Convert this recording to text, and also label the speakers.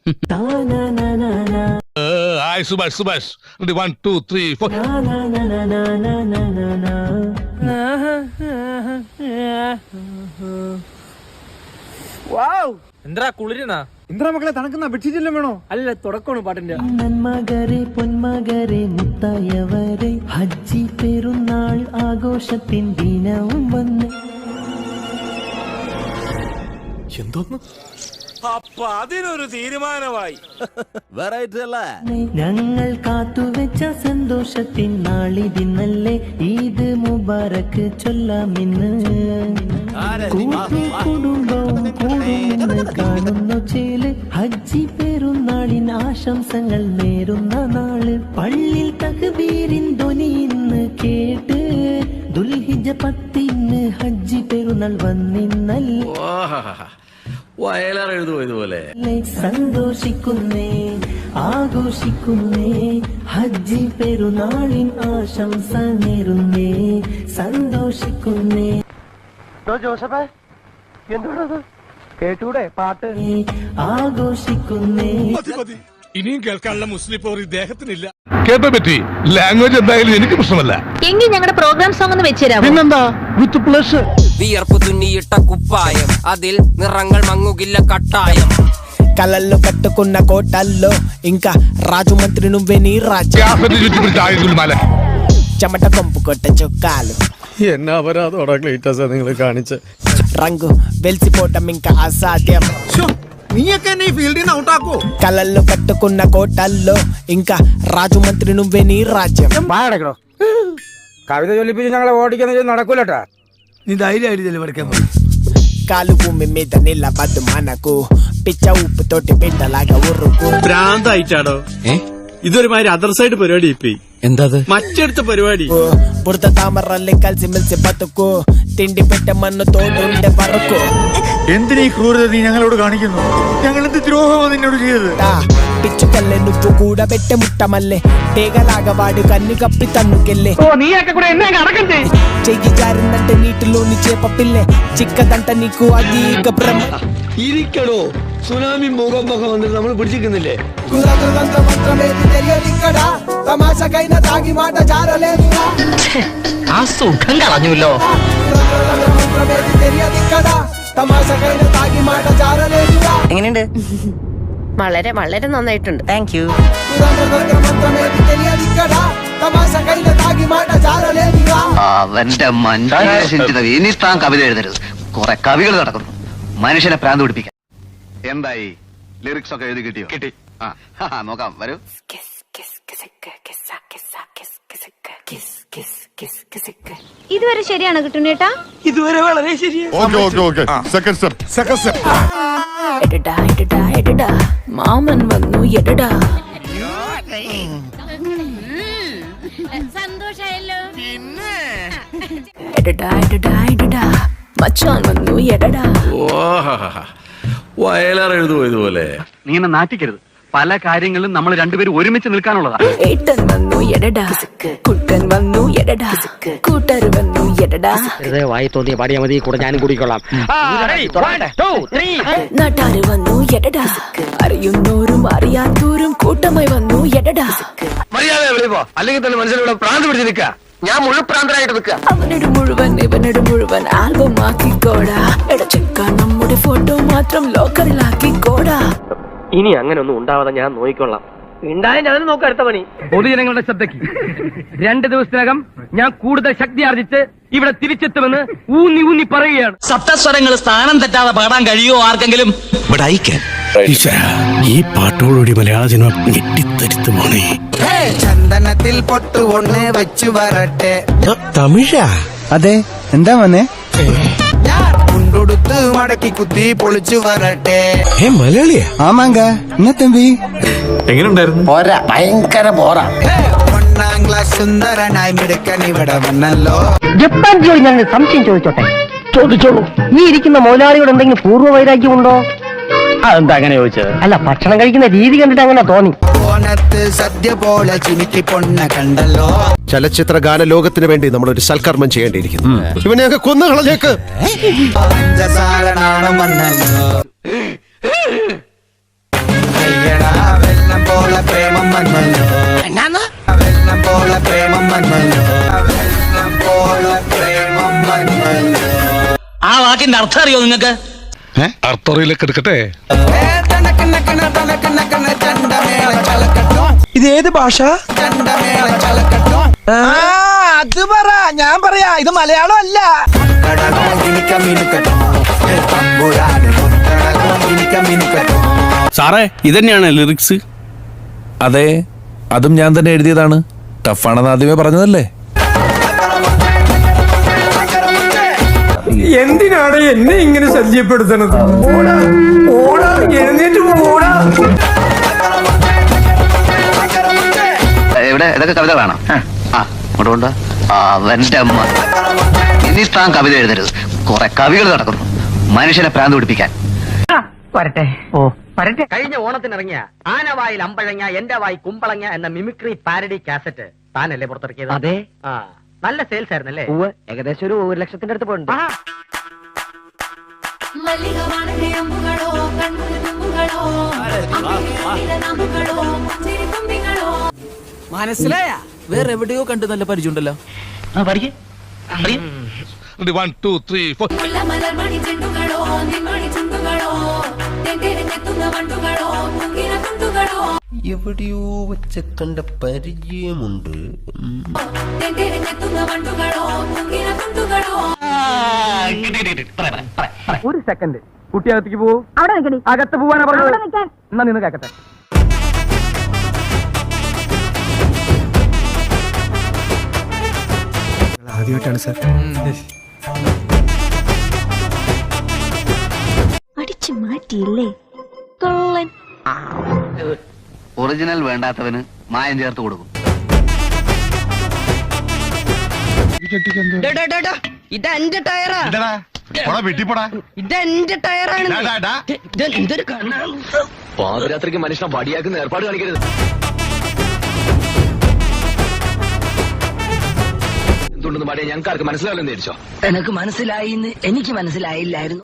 Speaker 1: Hi, Subhash. 1, 2, 3, 4.
Speaker 2: എന്താ കുളിരുന്നാ
Speaker 3: ഇന്ദ്ര മക്കളെ തണുക്കുന്ന ബെഡ്ഷീറ്റെല്ലാം വേണോ?
Speaker 2: അല്ല തുടക്കമാണ് പാട്ടിന്റെ.
Speaker 4: നന്മകരെ പൊന്മകരെ മുത്തായവരെ ഹജ്ജി പെരുന്നാൾ ആഘോഷത്തിൻ ദിനവും വന്ന്.
Speaker 3: എന്തോന്ന്?
Speaker 2: അപ്പൊ അതിനൊരു തീരുമാനമായി.
Speaker 4: ഞങ്ങൾ കാത്തുവെച്ച സന്തോഷത്തിൻ നാളിതിന്നല്ലേ ഈദ് മുബാറക്ക് ചൊല്ലാമിന്ന്. കുടുംബവും കൂടുമെന്ന് കാണുന്നു ചേല് ഹജ്ജി പെരുന്നാളിൻ ആശംസകൾ നേരുന്ന നാള്. പള്ളിയിൽ തക്ബീരിൻ ധ്വനി ഇന്ന് കേട്ട് ദുൽഹിജ്ജ 10 ഹജ്ജി പെരുന്നാൾ വന്നിന്നല്ലേ.
Speaker 5: ഇതുപോലെ
Speaker 4: സന്തോഷിക്കുന്നേ ആഘോഷിക്കുന്നേ ഹജ്ജി പെരുന്നാളിൻ ആശംസ നേരുന്നേ സന്തോഷിക്കുന്നേ.
Speaker 3: ജോസഫേ എന്തോടത് കേട്ടൂടെ പാട്ട്?
Speaker 4: ആഘോഷിക്കുന്നേ.
Speaker 1: ഇനിയും കേൾക്കാനുള്ള മുസ്ലിം പോർ ഇദ്ദേഹത്തിനില്ല. കേട്ടോ പറ്റി ലാംഗ്വേജ് എന്തായാലും എനിക്ക് പ്രശ്നമല്ല.
Speaker 6: എങ്കിൽ ഞങ്ങളുടെ പ്രോഗ്രാം സോങ് ഒന്ന് വെച്ചുതരാമോ?
Speaker 3: പിന്നെന്താ, വിത്ത് പ്ലസ്.
Speaker 7: വിയർപ്പ് തുന്നിയിട്ട കുപ്പായം, അതിൽ నిറങ്ങൾ మంగుగిల్ల కట్టాయం.
Speaker 8: కలల్లో కట్టుకున్న కోటల్లో ఇంకా రాజు మంత్రి నువ్వే నీ రాజ్యం. చెమట కొంపు కొట్ట చొక్కాలు
Speaker 3: എന്നാ അപരാധോടാ ക്ലീറ്റസ് നിങ്ങൾ കാണിച്ച്.
Speaker 8: రంగు వెలిసిపోవటం ఇంకా అసాధ్యం.
Speaker 3: നീയൊക്കെ എന്നെ ഈ ഫീൽഡിൽ നിന്ന് ഔട്ടാക്കോ?
Speaker 8: కలల్లో కట్టుకున్న కోటల్లో ఇంకా రాజు మంత్రి నువ్వే నీ రాజ్యం.
Speaker 2: വാടക്കടോ കവിത ചൊല്ലിപ്പിച്ച് ഞങ്ങളെ ഓടിക്കുന്ന നടക്കൂലട്ടാ.
Speaker 3: നീ ധൈര്യമായിട്ട് പഠിക്കാൻ
Speaker 8: కాలు భూమి మీద నిలబద్దు మనకు పిచ్చ ఉప్పుతోటి బిడ్డలాగా ఉరుకు.
Speaker 9: ഭ്രാന്തായിട്ടാണോ? ഇതൊരുമാതിരി അതർ സൈഡ് പരിപാടി. ഇപ്പൊ എന്താ മറ്റടുത്ത പരിപാടി?
Speaker 8: బురద తామరల్లి కలిసి మెలిసి బతుకు తిండి పెట్టమన్ను తోడుండే వరకు.
Speaker 3: എന്തിനാ ഈ ക്രൂരത നീ ഞങ്ങളോട് കാണിക്കുന്നു? ഞങ്ങൾ എന്ത് ദ്രോഹമാണ് നിന്നോട് ചെയ്തത്?
Speaker 8: పిచ్చుకల్లె నువ్వు కూడా పెట్టే ముట్టమల్లె తేగలాగా వాడు కన్ను కప్పి తన్నుకెళ్ళే. చెయ్యి జారిందంటే నీటిలోని చేప పిల్లె చిక్కదంట నీకు అది ఇక భ్రమ.
Speaker 5: ഇരിക്കണോ സുനാമി മുഖം വന്നിട്ട് നമ്മൾ പിടിച്ചിരിക്കുന്നില്ലേ?
Speaker 8: తమాషకైన తాగి మాట జారలేదు.
Speaker 7: ആ സുഖം കളഞ്ഞുല്ലോ.
Speaker 8: തമാഷకైన తాగి మాట జారలేదు.
Speaker 6: എങ്ങനെയുണ്ട്? വളരെ വളരെ നന്നായിട്ടുണ്ട്. Thank you.
Speaker 10: അവന്റെ മനുഷ്യൻ ഇനി താൻ കവിത എഴുതരുത്. കുറെ കവികൾ നടക്കുന്നു മനുഷ്യനെ പ്രാന്ത് പിടിപ്പിക്കാൻ. എന്തായി ലിറിക്സ് ഒക്കെ എഴുതി കിട്ടിയോ? കിട്ടി. നോക്കാം, വരൂ.
Speaker 6: ഇതുവരെ ശരിയാണോ കിട്ടുന്നേട്ടാ?
Speaker 9: ഇതുവരെ വളരെ
Speaker 6: എടടാ മാമൻ വന്നു എടടാ. സന്തോഷായല്ലോ. എടടാ മച്ചാൻ വന്നു എടടാ.
Speaker 5: വയലാർ എഴുതുമോ ഇതുപോലെ?
Speaker 10: നീ എന്നെ നാറ്റിക്കരുത്. പല കാര്യങ്ങളിലും നമ്മൾ രണ്ടുപേരും ഒരുമിച്ച് നിൽക്കാനുള്ളതാ.
Speaker 6: ഏട്ടൻ വന്നു എടടാ, കുട്ടൻ വന്നു എടടാ, കൂട്ടര് വന്നു എടടാ.
Speaker 7: വായി തോന്നിയ പാടിയാ മതി, കൂടെ ഞാനും കൂടിക്കൊള്ളാം.
Speaker 6: നാട്ടാര് വന്നു എടടാ, അറിയുന്നോരും അറിയാത്തോരും കൂട്ടമായി വന്നു എടടാ.
Speaker 5: മര്യാദ വിളിപ്പോ, അല്ലെങ്കിൽ തന്നെ മനുഷ്യരുടെ പ്രാന്ത് പിടിച്ച് നിൽക്കുക. ഞാൻ മുഴുപ്രാന്തരായിട്ട് നിൽക്കുക.
Speaker 6: അവനോട് മുഴുവൻ ഇവനോട് മുഴുവൻ ആൽബം ആക്കിക്കോടാ. എടച്ചെക്ക നമ്മുടെ ഫോട്ടോ മാത്രം ലോക്കറിലാക്കിക്കോടാ.
Speaker 7: ഇനി അങ്ങനെ ഒന്നും ഉണ്ടാവാതെ ഞാൻ നോക്കിക്കൊള്ളാം. ഉണ്ടായ ഞാൻ നോക്കാം. അടുത്ത പണി
Speaker 2: പൊതുജനങ്ങളുടെ ശ്രദ്ധയ്ക്ക് 2 ദിവസത്തിനകം ഞാൻ കൂടുതൽ ശക്തി ആർജിച്ച് ഇവിടെ തിരിച്ചെത്തുമെന്ന് ഊന്നി പറയുകയാണ്.
Speaker 7: സപ്തസ്വരങ്ങൾ സ്ഥാനം തെറ്റാതെ പാടാൻ കഴിയുമോ ആർക്കെങ്കിലും?
Speaker 9: ഈ പാട്ടോടുകൂടി മലയാള സിനിമ ഞെട്ടിത്തരുത്ത് പോണേ.
Speaker 8: ചന്ദനത്തിൽ പൊട്ടു ഒന്ന് വെച്ചു വരട്ടെ.
Speaker 9: തമിഴാ?
Speaker 3: അതെ, എന്താ വന്നേ?
Speaker 8: മുണ്ടൊടുത്ത് മടക്കി കുത്തി പൊളിച്ചു വരട്ടെ.
Speaker 9: മലയാളിയാ?
Speaker 3: ആമാങ്ക എന്നാ തമ്പി
Speaker 9: എങ്ങനെയുണ്ടായിരുന്നു?
Speaker 3: ഭയങ്കര ബോറാ.
Speaker 8: 1ാം ക്ലാസ് സുന്ദരനായി മിടുക്കൻ ഇവിടെ വന്നല്ലോ.
Speaker 2: ജപ്പാൻ ജോലി ഞാൻ സംശയം ചോദിച്ചോട്ടെ? ചോദിച്ചോളൂ. ഈ ഇരിക്കുന്ന മുതലാളിയോട് എന്തെങ്കിലും പൂർവ്വ വൈരാഗ്യം ഉണ്ടോ? അതെന്താ അങ്ങനെ ചോദിച്ചത്? അല്ല, ഭക്ഷണം കഴിക്കുന്ന രീതി കണ്ടിട്ട് അങ്ങനെ തോന്നി.
Speaker 8: ഓണത്ത് സദ്യ പോലെ ചിനിക്കി പൊണ്ണ കണ്ടല്ലോ.
Speaker 9: ചലച്ചിത്ര ഗാന ലോകത്തിന് വേണ്ടി നമ്മളൊരു സൽക്കർമ്മം ചെയ്യേണ്ടിയിരിക്കുന്നു. ഇവനെയൊക്കെ കൊന്നുകളഞ്ഞേക്ക്.
Speaker 8: നാണം വന്നല്ലോ. വന്നല്ലോ വെള്ളം പോലെ പ്രേമം വന്നല്ലോ വെള്ളം പോലെ പ്രേമം വന്നല്ലോ.
Speaker 2: ആ വാക്കിന്റെ അർത്ഥം അറിയോ നിങ്ങൾക്ക്?
Speaker 1: അർത്ഥറിയിലേക്ക് എടുക്കട്ടെ.
Speaker 8: ഇത് ഏത് ഭാഷ? അത് പറ, ഞാൻ പറയാ, ഇത് മലയാളം അല്ല.
Speaker 9: സാറേ ഇതന്നെയാണ് ലിറിക്സ്?
Speaker 11: അതെ, അതും ഞാൻ തന്നെ എഴുതിയതാണ്. ടഫാണെന്ന് ആദ്യമേ പറഞ്ഞതല്ലേ.
Speaker 8: എന്തിനാണ് എന്നെ ഇങ്ങനെ ശല്യപ്പെടുത്തണത്? എഴുന്നേറ്റ് പോടാ.
Speaker 10: എവിടെ ഇതൊക്കെ കവിതകളാണോ? ആ ഇങ്ങോട്ട് കൊണ്ടുവാ. അവന്റെ അമ്മ. ഇനി താൻ കവിത എഴുതരുത്. കുറെ കവികൾ നടക്കുന്നു മനുഷ്യനെ പ്രാന്ത് പിടിപ്പിക്കാൻ.
Speaker 2: വരട്ടെ. ഓ വരട്ടെ.
Speaker 5: കഴിഞ്ഞ ഓണത്തിനിറങ്ങിയ ആനവായിൽ അമ്പഴങ്ങ എന്റെ വായി കുമ്പളങ്ങ എന്ന മിമിക്രി പാരഡി കാസറ്റ് താനല്ലേ പുറത്തിറക്കിയത്?
Speaker 2: അതെ.
Speaker 5: ആ നല്ല സെയിൽസ് ആയിരുന്നല്ലേ?
Speaker 2: ഏകദേശം ഒരു 1,00,000 അടുത്ത് പോയിട്ടുണ്ട്.
Speaker 7: മനസ്സിലായ വേറെ എവിടെയോ കണ്ട് നല്ല പരിചയമുണ്ടല്ലോ.
Speaker 2: പഠിക്കേ
Speaker 1: 1 2 3 4.
Speaker 4: എവിടെയോ വെച്ച കണ്ട പരിചയമുണ്ട്.
Speaker 2: ഒരു സെക്കൻഡ്. കുട്ടി അകത്തേക്ക് പോവൂ. അകത്ത് പോവാനാ പറഞ്ഞത്. എന്നാ നിന്ന് കേക്കട്ടെ.
Speaker 8: ആദ്യമായിട്ടാണ് സാർ.
Speaker 6: അടിച്ചു മാറ്റിയില്ലേ കള്ളൻ.
Speaker 10: ഒറിജിനൽ വേണ്ടാത്തവന് മായം ചേർത്ത് കൊടുക്കും.
Speaker 5: ഇതെന്റെ ടയറാ. ഇതെന്റെ ടയറാണ്. എന്തൊരു കണ്ണാണ്.
Speaker 7: പാതിരാത്രിക്ക് മനുഷ്യനെ വടിയാക്കുന്ന ഏർപ്പാട് കാണിക്കരുത്. എന്തുകൊണ്ടെന്ന് പാടിയ ഞങ്ങൾക്ക് ആർക്ക് മനസ്സിലാവില്ലെന്ന് ധരിച്ചോ?
Speaker 5: എനക്ക് മനസ്സിലായി, എനിക്ക് മനസ്സിലായില്ലായിരുന്നു.